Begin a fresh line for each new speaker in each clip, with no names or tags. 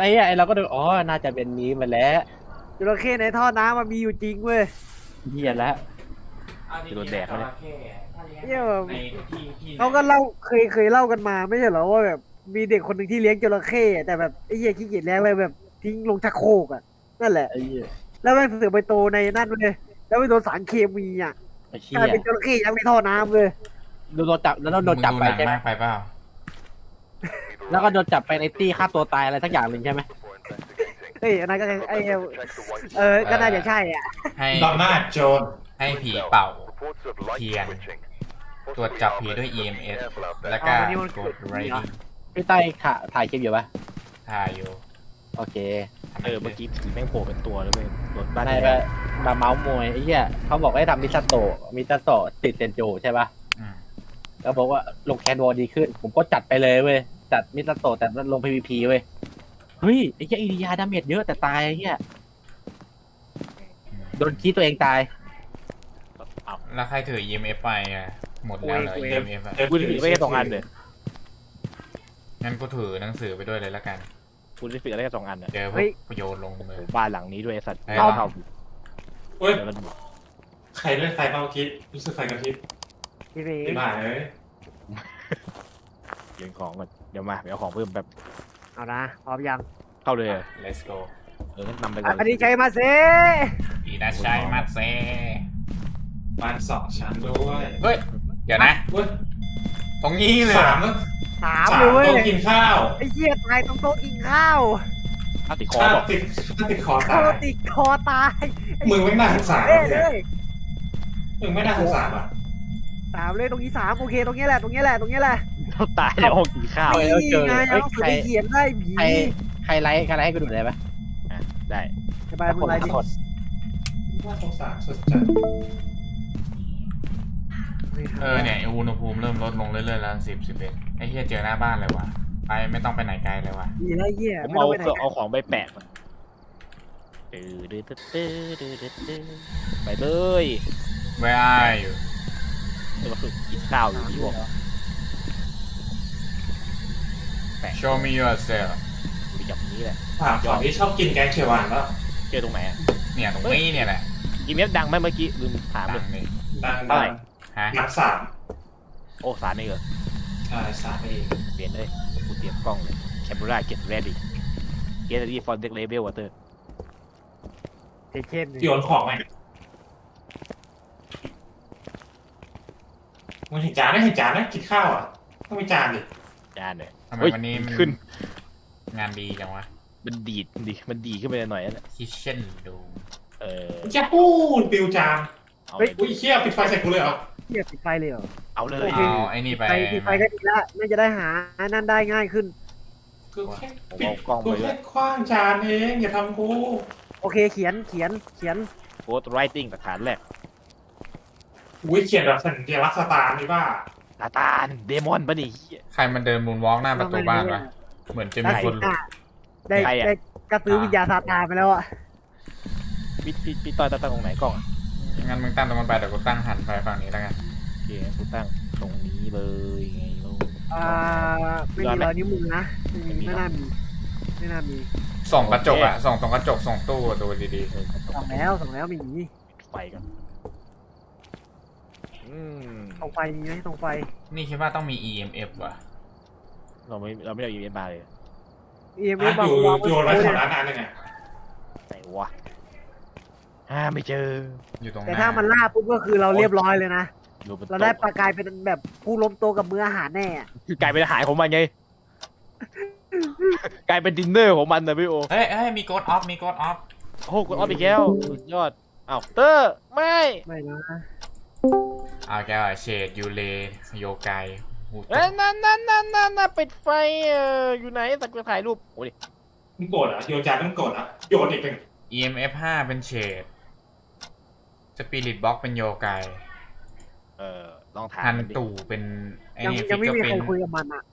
อ่ะไอเราก็ดูอ๋อน่าจะเป็นนี้มาแล้ว
จระเข้ในท่อน้ำมันมีอยู่จริงเว้ย
เฮียแล้ว
จะโดนแดกเลย
เนี่ยเขาก็เล่าเคยเล่ากันมาไม่ใช่เหรอว่าแบบมีเด็กคนหนึ่งที่เลี้ยงจระเข้แต่แบบไอ้เหี้ยขี้เกียจเลี้ยงเลยแบบทิ้งลงชักโครกอ่ะนั่นแหละ
ไอ้เหี้ย
แล้วมันเสือกไปโตในนั่นเลยแล้วไปโดนสารเคมีอ่ะ
ไอ้เหี้
กลาย
ย
เป็นจระเข้ยังในท่อน้ำเลย
โดนจับแล้วโดนจับไปใช่ไหม
มากไปเปล่า
แล้วก็โดนจับไปในตี้ฆ่าตัวตายอะไรสักอย่างหนึ่งใช่ไหม
เอ้ยอันนั้นก็ไอ้ก็น่าจะใช่อ่ะ
ให้
ดอมนาโจน
ให้ผีเป่าเทียนตรวจจับผีด้วย EMS แล้วก็กด writing
พี่ใต้ถ่ายคลิปอยู่ปะ
ถ่ายอยู่
โอเค
เมื่อกี้ผีแม่งโผล่เป็นตัวเลยเว้ยรถบ้าน
ในมาเมาส์มวยไอ้เหี้ยเขาบอกให้ทำมิซาโตะติดเซนโจใช่ปะแล้วบอกว่าลงแคนวอลดีขึ้นผมก็จัดไปเลยเว้ยจัดมิซาโตะแต่ลง PVP เว้ยเฮ้ยไอ้เหี้ยอิริยาดาเมจเยอะแต่ตายไอ้เหี้ยโดนขี้ตัวเองตาย
แล้วใครถือ EMF ไปอ่ะหมดแล้วเหรอ EMF อ่ะ
กูถือไม่แค่2 อันเลย
งั้นกูถือหนังสือไปด้วยเลยละกัน
กูได้ฝึกได้แค่2 อันเนี่ย
เจอพวกโยนลงมือ
บ้านหลังนี้ด้วยไอ้สัตว์
เฮ้ย
เข้า
เฮ้ย
แล้วมัน
ใครเล่นไฟเมื่อกี้รู้สึกไฟกระพริบ
พี่เมย์
ไม่มาเลย
เก็บของก่อนเดี๋ยวมาเอาของเพิ่มแบบ
เอานะพร้อมยัง
เข้าเลย
Let's go
งั้นนำไปก่อน
อันนี้ใจมาเซ่
อีนาชัยมาเซ
บ้าน2 ชั้นด้วย
เฮ้ย เดี๋ยวนะ
เฮ้ย
ตรงนี้เลย
สาม
ถาม
สาม
เลยเว้ย
โต๊ะกินข้าว
ไอ้เหี้ยตายตรงโต๊ะกินข้าว
ติดคอ
ถ้า
บอก
ติดคอ
ค
ตา
อย ติดคอตาย
มึงไม่น่าสงสาร
เอ้ยเลย
มึงไม่น่าสงสารอ่ะ
3เลยตรงนี้3โอเคตรงนี้แหละตรงนี้แหละตรงนี้แหละ
ตายในห้องกินข้าว
นี่ไงเอาสุดไปเขียนได้ผี
ใครไลค์ให้กูดูได้ปะ
ได้
สบายมึงไรดิ
น่าสงสารสุดจัด
เนี่ยอุณหภูมิเริ่มลดลงเรื่อยๆแล้ว10 11ไอ้เหี้ยเจอหน้าบ้านเลยว่ะไปไม่ต้องไปไหนไกลเลยว่ะ
มีอะไรเหี้ย
ผม
ไม่
เอา
ต้องไปไหน
เอาของไปแปะมันไปเลย
Where are you
ก็คือกินข้าวอยู่ที่บอก
Show me yourself
อยู่อย่างนี้แหละ
ถามก่อนที่ชอบกินแกงเขียวหวานแล้ว
เจอตรงไหนอ่ะ
เนี่ยตรงนี้เนี่ยแหละ
อีเมลดังไหมเมื่อกี้ลืมถามเล
ดั
ย
งนี่
ดัง
เท่าไหร่
ฮะ
นัก3
โอ้สารไม่เหรอ
ใช่3เอง
เปลี่ยนเลยกูเตรียมกล้องเลยแคมเปญเก็ตเรดี้เก็ตรีฟอนเด็กเลเวลวอเตอร์
เข้ม
โยนของไหมมึงเห็นจานไหมเห็นจานไหมกินข้าวอ่ะต้องมีจานดิ
จานเลย
ทำไมวันนี้มัน
ขึ้น
งานดีจังวะ
มันดีขึ้นไปหน่อยนะ
Kitchen Room
จะพูดปิวจาน
เอาเลย
อุ้ยเชี่ยปิดไฟใส่กูเลยเหรอ
เหี้ยปิดไฟเลยเหรอ
เอาเลย
เอาไอ้นี่ไป
ไฟปิดไฟก็ดีละน่าจะได้หานั่นได้ง่ายขึ้น
กูแค่
ผม
ปิด
เอากล้อง
กู
ไปด้ว
แค่
ย
คว้างจานเองอย่าทำกู
โอเคเขียน
โค้ดไรติ้งหลักฐานแรก
อุ้ยเขียนแบบสัญลักษณ์สตาร์นี่บ้า
ซาตานเดมอนปะนี่
ใครมันเดินมูนวอล์กหน้าประตูบ้านวะเหมือนจะมีคนหลุด
ได้กระซื้อวิญญาณซาตานไปแล้วอ่ะ
พี่ต้อยตั้งตรงไหนกล้องอ่ะ
งั้นมึงตั้งตรงมันไปเดี๋ยวกูตั้งหันไปฝั่งนี้แล้วกัน
โอเคกูตั้งตรงนี้เลยไงลูก
ไม่มีรอยนิ้วมือนะไม่น่ามี
ส่องกระจกอะส่องตรงกระจกส่องตู้ดูดี
ส่องแล้วมี
ปิดไฟกัน
ตรงไฟมีไหมตรงไฟ
ๆนี่คิดว่าต้องมี EMF ว่ะ
เราไม่ได้อีเวนต์มาเลย
EMF
อยู่
วาง
โยนไว้แถวนั้นอันนึงอ่ะ
ไหนวะไม่เจอ
อยู่ตรงห
แต่
น้า
ถ้ามันล่าปุ๊บก็คือเราเรียบร้อยเลยนะ
อยู่บน
เรา
โต๊ะ
ได้ปลากลายเป็นแบบผู้ล้มโตกับมื้ออาหารแน่
คือกลายเป็นอาหารของมันไง กลายเป็นดินเนอร์ของมันนะพี่โอ
เฮ้ยมีกดออฟมีกดออฟ
โอ้กดออฟอีกแล้วสุดยอดอ้าวเตอร์ไม่
นะ
เอาแกเชดยูเลโยไก
นั่นปิดไฟอยู่ไหนสักจะถ่ายรูปโอ้ดิ
มึงโกรธเหรอโยนจานต้องโกรธเหรอโยนอีกเป็น
EMF 5เป็นเชดสปิริตบ็อกเป็นโยไก
ลองถาม
ฮัน
มันดิ
ตู่เป็นไอ้
ยัง
นี่
ยั
ฟิ
ง
ก
ไม่
ก็
มี
เป็
ใคร
น
คุยกับมันอ่ะ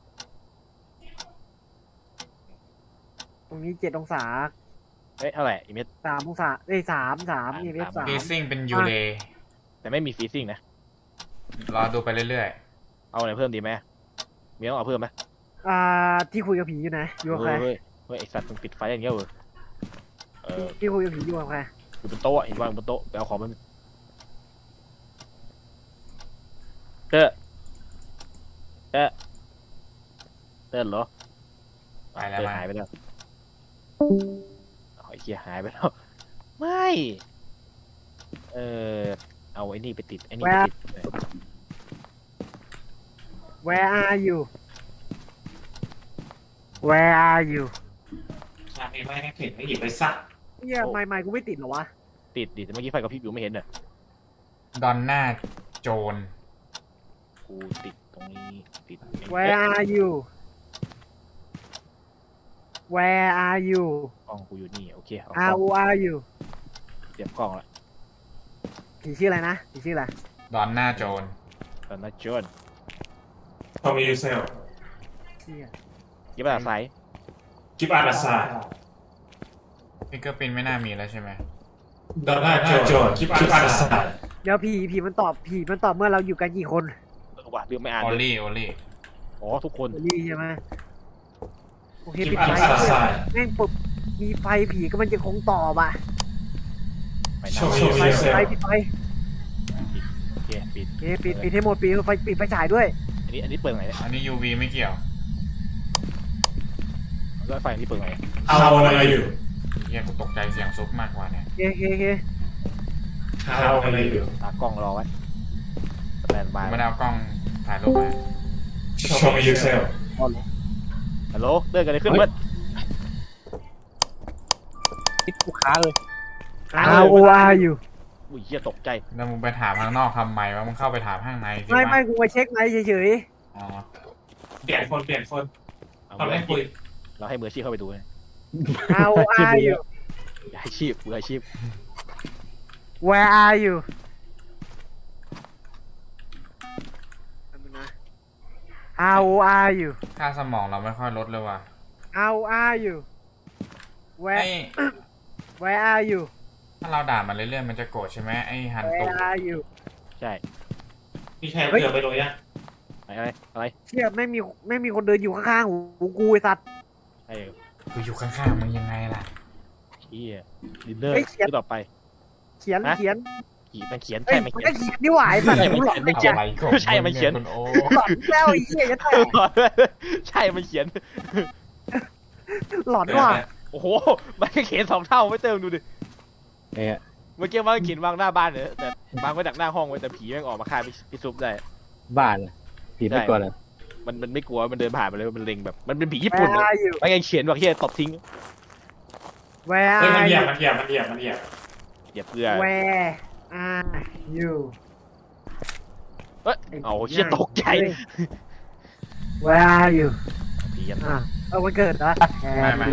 ตรงนี้7 องศา
เฮ้ยเท่าไหร่อีเมท
3 องศา3 EMF
ฟีซิ่งเป็นยูเล
แต่ไม่มีฟีซิ่งนะ
รอดูไปเรื่อย
เอาอะไรเพิ่มดีไหมมีต้องเอาเพิ่มไหม
ที่คุยกับผีอยู่ไหนอยู่กับใคร
เฮ้ฮ้ยไอสัตว์มึงปิดไฟอย่างเงี้ยเหรอ
พี่คุยกับผีอยู่กับใคร
อยู่บนโต๊ะเห็นวางบนโต๊ะไปเอาของมันเต้เต้เหรอ
ไปแล้ว
เต้
มา
หายไปแล้วไอ้เหี้ยหายไปแล้วไม่เอาไอ้นี่ไปติดไอ้นี่ไปติด
Where are you Where are you
ชาตินี้ไม่ให้เห็นไม่หยิบไปสัก
เนี่ยไม่กูไม่ติดเหรอวะ
ติดดิแต่เมื่อกี้ไฟกับพริบอยู่ไม่เห็นน่ะ
ดอนน่าโจน
กูติดตรงนี้ติด
Where are you Where are you
กล้องกูอยู่นี่โอเคเอากล้
How
อง
are you
เตรียมกล้องละ
ผีชื่ออะไรนะผีชื่ออะไร
ดอนน่าโจน
ตอนนั้นจน
พอมียูเซล
เชี่ย
ยิบอะไรสาย
กิฟอาร์ดาซา
ฟิกเกอร์ปินไม่น่ามีแล้วใช่ไหม
ดอนน่าโจนกิฟอาร์ดาซา
เดี๋ยวผีมันตอบเมื่อเราอยู่กันกี่คน
ว่าเรื่องไม่อ่าน
โอล
เลย
ลี่โอลลี่
อ๋อทุกคน
นี่ใช่ไหมโอเค
กิ
ปิ
ฟ
ด
อาร์
ไฟ
ดาซา
แม่งปุ๊บมีไฟผีก็มันจะคงตอบอ่ะ
ไป
โช
นะ
ว์
ปิดไฟ
ยูเซล
ปิดไฟ
โอเคปิด
ปิดให้หมดปิดไฟฉายด้วย
อันนี้เปิดไหนเนี่ย
อันนี้ UV ไม่เกี่ยว
แล้วไฟนี่เปิดไหน
เอาอะไรอยู่
เฮียกูตกใจเสียงซุปมากกว่าเนี่ย
โอเค
เอาอะไรอยู่
ตากล้องรอไว้สแตนบาย
ไม่ได้เอากล้องถ่ายรูปมา
โชว์ยูเซล
ฮัลโหลเดินกันเลยขึ้นเพื่อน
ติดลูกค้าเลย
How are you
อุ้ยเหี้ยตกใจ
แล้วมึงไปถามข้างนอกทำไมวะมึงเข้าไปถามข้างในสิ
ไม่
วะ
กูมาเช็คไหมเฉย
อ๋อ
เปลี่ยนคน
เอา
ตอนแรกคุย
เราให้มืออาชีพเข้าไปดูนะ
ๆ How are you
อย่าให้ชีพมืออาชีพ
Where are you How are you
ค่าสมองเราไม่ค่อยลดเลยว่ะ
How are you
ไอ้
Where are you
ถ้าเราด่ามันเรื่อยๆมันจะโกรธใช่ไหมไอ้ฮันตุ
Where are you
ใช่
มีใครเกือบไปเลยยัง
อะไร
เชี่ยไม่มีคนเดินอยู่ข้างๆหูกูไอ้สัตว์
ไอ้
กูอยู่ข้างๆมึงยังไงล่ะ
เหี้ยดินเนอร์
เฮ้ยเขียน
ที่ต่อไป
เขียน
ขี่มันเขียน
เฮ้
ใช่
ย
มัน
มัน
เขีย
ก็
น
เขียนนี่หว่าไอ้สัตว์
ใช่มัน
กูหล
เขี
อย น
น
ไม่
เขี
เขี
ย
ย
น
น
ใช่มันเขียน
คุณโอ
หลอนแล้วไอ้เหี้ยจะแตก
ใช่มันเขียน
หลอนว่ะ
โอ้โหมันก็เขียน2 เท่าไม่เติมดูดิ
เนี่ย
เมื่อกี้มันก็เขียนวางหน้าบ้านเนี่ยแต่วางไว้จากหน้าห้องไว้แต่ผีแม่งออกมาฆ่าพี่ซุปได้
บ้านอะผีไม่กลัวเลย
มันไม่กลัวมันเดินผ่านไปเลยมันเล็งแบบมันเป็นผีญี่
แว
ปุ่น
ร์อายู
มันยังเขียนว่าเฮียตบทิ้ง
แวร์
เฮ้ย
อา
มันเหยี
ยู
ยบมันเหยียบมันเหยียบมันเหยียบ
อย่าเพื่อ
แวร์อายู
เอ้ยเอาเชี่ยตกใจ
แวร์อายู
ผียัน
วันเกิดเหรอ
ไม่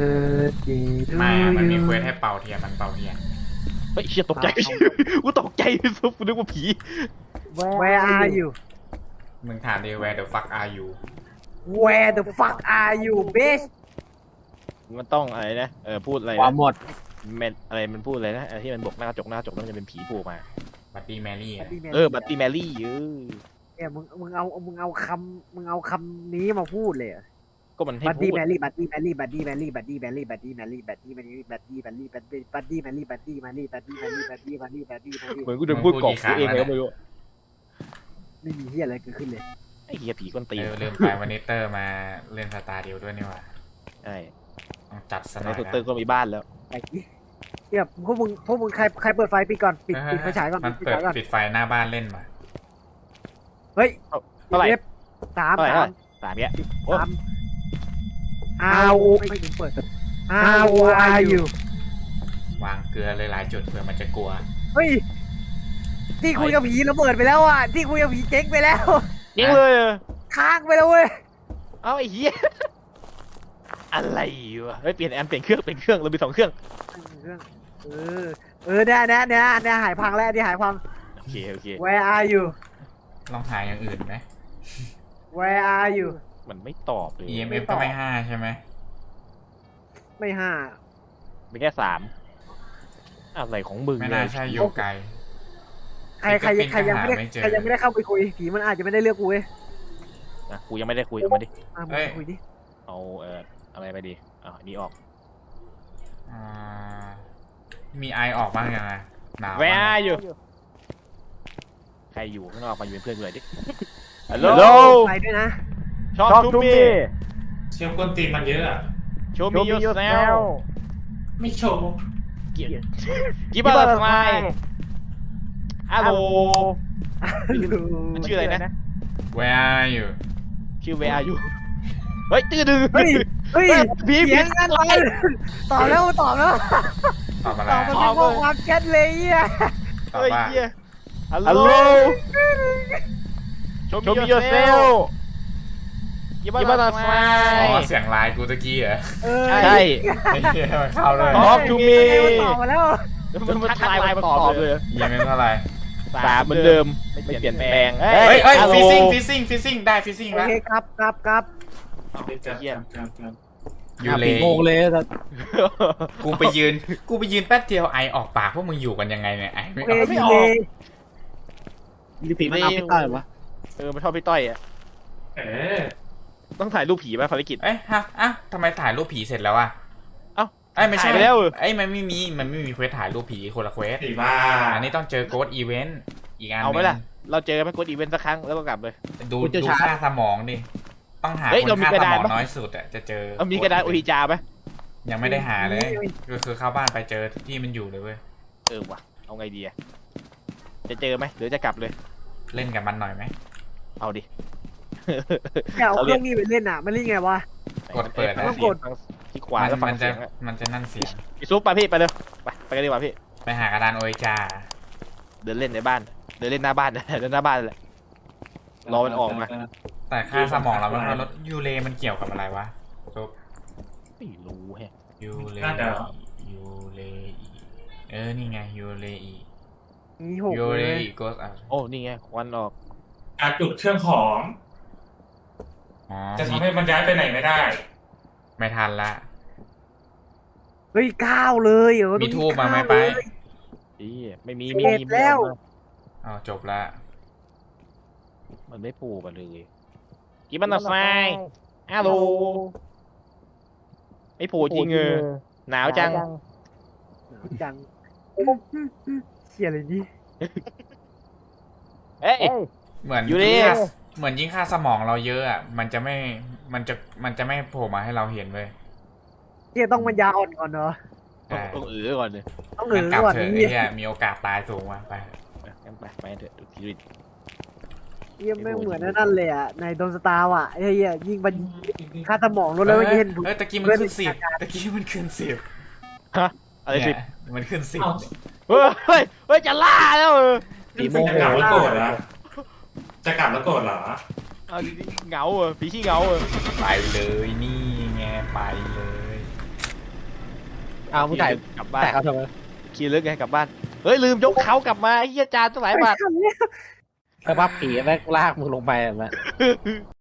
มันมีเควสให้เป่าเทียนมันเป่าเทียน
เฮ้ยเชี่ยตกใจกูตกใจซุปกูนึกว่าผี
แวร์อายู
มึงถามดิ where the fuck are you
Where the fuck are you bitch
มันต้องอะไรนะพูดอะไร
ความ
นะ
หมด
แมนอะไรมันพูดอะไรนะที่มันบอกหน้าจกแล้วมันจะเป็นผีโผล่มา
บัตตี้แมรี่
บัตตี้แมรี่
เนี่ยมึงเอาคำนี้มาพูดเลย
ก็มันให้
บัด
พู
ดี้
ด
แมรี่บัดดี้แมรี่บัดดี้แมรี่บัดดี้แมรี่บัดดี้แมรี่บัดดี้แมรี่บัดดี้แมรี่บัดดี้บัดดี้แมรี่บัดดี้แมรี่บัดดี้แมรี่บัดดี้แมรี่บัดดี้แมรี่
เหมือนกูเดินพูดกรอกกูเองเลยก็ไม่รู้
ไม่มีเฮียอะไรเกิดขึ้นเลย
ไอ้เหี้ยผีก้นตีน
ลืมไปวันนี้เตอร์มาเล่นสตาร์เดียวด้วยนี่หว่า
ใช่
ต้องจัดส
ใน
นอย
สุด
นะ
เตอร์ก็มีบ้านแล้ว
ไอ้เนี่ยพวกมึงใครเปิดไฟปิดก่อนปิดไฟฉายก่อน
มัน
ปิด
เปิด
ฉายก่อน
ปิดไฟหน้าบ้านเล่นมา
เฮ้ย
เท่าไหร่
สาม
3เนี่ยโอ้
How ไม่ถึงเปิด How are you
วางเกลือเลยหลายจุดเผื่อมันจะกลัว
เฮ้ยที่คุยกับผีระเบิดไปแล้วอ่ะที่คุยกับผีเจ๊งไปแล้ว
ยิงเลย
ค้างไปแล้วเว้ย
เอาไอ้เหี้ยอะไรวะเฮ้ยเปลี่ยนเครื่องเรามี2 เครื่อง
เนี่ยหายพังแล้วที่หายพัง
โอเค
Where are you
ลองหาอย่างอื่นไหม
Where are you
มันไม่ตอบเลย
EMF ก็ไม่5ใช่ไหม
ไม่ห้า
เป็นแค่3อะไรของมึง
ไม่น่าใช่โยไก
ใครยังไม่ได้เข้าไปคุยผีมันอาจจะไม่ได้เลือกกูเว้ย
นะกูยังไม่ได้คุยเอามาดิ
มึงคุยดิ
เอาอะไรไปดีนี่ออก
อ่ามีไอออกบ้างยังไงหนาว
แว
บ้าง
ร์อยู่ใครอยู่ข้างนอกมาอยู่เป็นเพื่อนกูหน่อยดิฮัลโหล
ไปด้วยนะ
ช็อกทูมี
เชี่ยวกวนตีนมันเยอะอะ
โชว์มียูเซล
ไม่โชว์
กิบบัตไฟฮัลโหลมันชื่ออะไรนะ
Where are you
ชื่อแวร์อยู่เฮ้ยตื้อดื้อ
เฮ้ย
พี่
เสียงกันเลยตอบแล้ว
ตอบอะไร
ตอบมันเป็นข้อความแชทเลยอ่ะ
ตอบ
เฮ้ย
ว่า
เหี้ยฮัลโหลโชว์มียูเซลกิบบัตไฟ
อ๋อเสียงไลน์กูตะกี้เหรอ
ใช่
ไอ้เหี้ยมันเข้าเลย
Talk to me
ตอบมาแล้ว
มันทักไลน์มาตอบเลย
ยังไม่เท่าไหร่
3เหมือนเดิมไม่เปลี่ยนแปลง
เฮ้ยฟิซซิ่งได้ฟิซซิ่ง
โอ
แล้ว
เคครับ
ยูเล
โงงเลยสัส
กูไปยืนแป๊บเดียวไอออกปากพวกมึงอยู่กันยังไงเนี่ยไอไม่
โอ
ออก
เคยูเล
มีผีมันเอาไปต้อยวะ
มันชอบพี่ต้อยอ่ะ
เออ
ต้องถ่ายรูปผีป่ะภารกิจ
เอ้ยฮะทำไมถ่ายรูปผีเสร็จแล้วอะ
เอ้า
ไอ้ไม่ใช่
ถ่ายไปแล้ว
ไอ้มันไม่มีเควสถ่ายรูปผีคนละเควส
ผีบ้า
อันนี้ต้องเจอโกดอีเวนต์อีกอัน
เอาไหม
นึง
ล่ะ เราเจอไม่กดอีเวนต์สักครั้งแล้วก็กลับเลย
ดูค่าสมองดิต้องหา
เฮ้ย
คน
เรามี
ค่าก
ระ
ส
ดาม ษ
อง
ปะ
น้อยสุดอะจะเจอ
มีกระดาษโอฮิจาไหม
ยังไม่ได้หาเลยก็คือเข้าบ้านไปเจอที่มันอยู่เลยเว้ย
ว่ะเอาไงดีอะจะเจอไหมหรือจะกลับเลย
เล่นกับมันหน่อยไหม
เอาดิ
อย่าเอาเครื่องนี้ไปเล่นอ่ะมันเล่นไงวะ
กดเปิดนะ
ต้องกด
ที่ขวาแล้วฟัง
มันจะ
เสียงอะ
มันจะนั่นเสียง
พี่ซุปไปพี่ไปเร็วไปกันดีกว่าพี่
ไปหากระดานโอเอจา
เดินเล่นในบ้าน เดินเล่นหน้าบ้าน เดินหน้าบ้านแหละ รอมันออกมา
แต่ค่าสมองเราไม่ค่อยลดยูเลมันเกี่ยวกับอะไรวะซุป
ไม่รู้แฮะ
ยูเล
น่าจะ
ยูเลอีนี่ไงยูเลอี
มีหก
ยู
เล
เลย อีโกสอ่ะ
โอ้นี่ไงควันออก
การจุดเครื่องของ
อ๋อ
จะทำให้มันย้ายไปไหนไม่ได้
ไม่ทันละ
เฮ้ย9เลยเหรอ
มีทูบมาไหมไป
อีไม่มี
เสร็จแล้ว
อ๋อจบละ
มันไม่ปูกันเลยกินมันไฟฮัลโหลไม่ปูจริงหนาวจัง
จังเชี่ยอะไรนี่
เอ้ย
เหมือน
ยูเล
ยิ่งค่าสมองเราเยอะอ่ะมันจะไม่โผล่มาให้เราเห็นเลย
เชี่ยต้องมันยาอ่อนก่อนเนาะ
ใช่
ต้องก่อนเลย
ต้อง
งั้นกลับ
ก่อน
เถอะ
นี่
ไอ้เหี้ยมีโอกาสตายสูงว่ะไป
งั้นไปเถอะดูทีวี
เยี่ยไม่เหมือนนั่นเลยอ่ะในโดนสตาร์อ่ะไอ้เหี้ยยิงมันค่าสมองลดแล้วเห็น
เฮ้ยตะกี้มันขึ้น10
อะไรสิ
เนี่ยมันขึ้น10
เอ้า
เฮ้ยจะล่าแล้ว
ผีโม
จะ
โห
กลับแล้วโกรธเหรอจะกลับแล้วโกรธเหรอ
เอาดิเหงาผีขี้เหงา
ไปเลยนี่ไงไปเลย
เอาผู้ถ่าย
กลับบ้าน
แต่เขาทำไม
ขี่เลิกไงกลับบ้านเฮ้ยลืมยกเขากลับมาเฮียจานตั้งหลายบาท
สภาพผีแม่งลากมึงลงไปอ่ะแม่